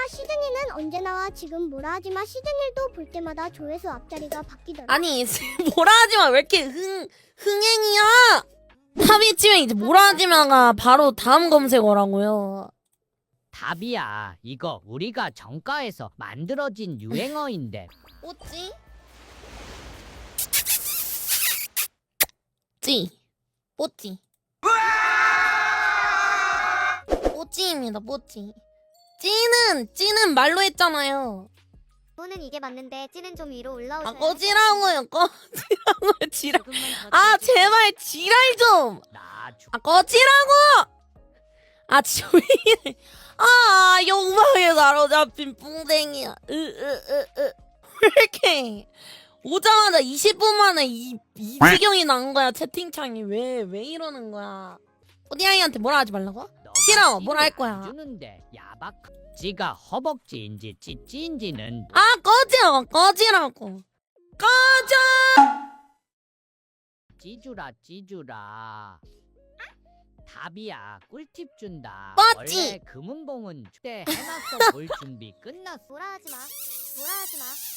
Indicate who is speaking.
Speaker 1: 시드니는 언제 나와? 지금 뭐라 하지마. 시드니도 볼 때마다 조회수 앞자리가 바뀌더라.
Speaker 2: 아니 뭐라 하지마 왜 이렇게 흥행이야? 탑이 치면 이제 뭐라 하지마가 바로 다음 검색어라고요.
Speaker 3: 답이야. 이거 우리가 정가에서 만들어진 유행어인데.
Speaker 2: 뽀찌? 찌 뽀찌 뽀찌입니다. 뽀찌. 찌는 말로 했잖아요.
Speaker 1: 저는 이게 맞는데 찌는 좀 위로 올라오셔야.
Speaker 2: 아 꺼지라고요. 지랄. 아 제발 지랄 좀. 아 꺼지라고. 아 조용히. 아 욕망에 사로잡힌 뿡댕이야. 왜 이렇게 오자마자 20분 만에 이 지경이 난 거야. 채팅창이 왜 이러는 거야. 꼬디아이한테 뭐라 하지 말라고? 싫어. 뭐라 할 거야.
Speaker 3: 주는데 야박. 지가 허벅지인지 찌찌인지는
Speaker 2: 아 꺼지라고. 꺼져.
Speaker 3: 찌주라. 답이야. 꿀팁 준다.
Speaker 2: 뻗지.
Speaker 3: 원래 금은봉은 때 해놨어. 볼 준비 끝났어.
Speaker 1: 뭐라 하지마.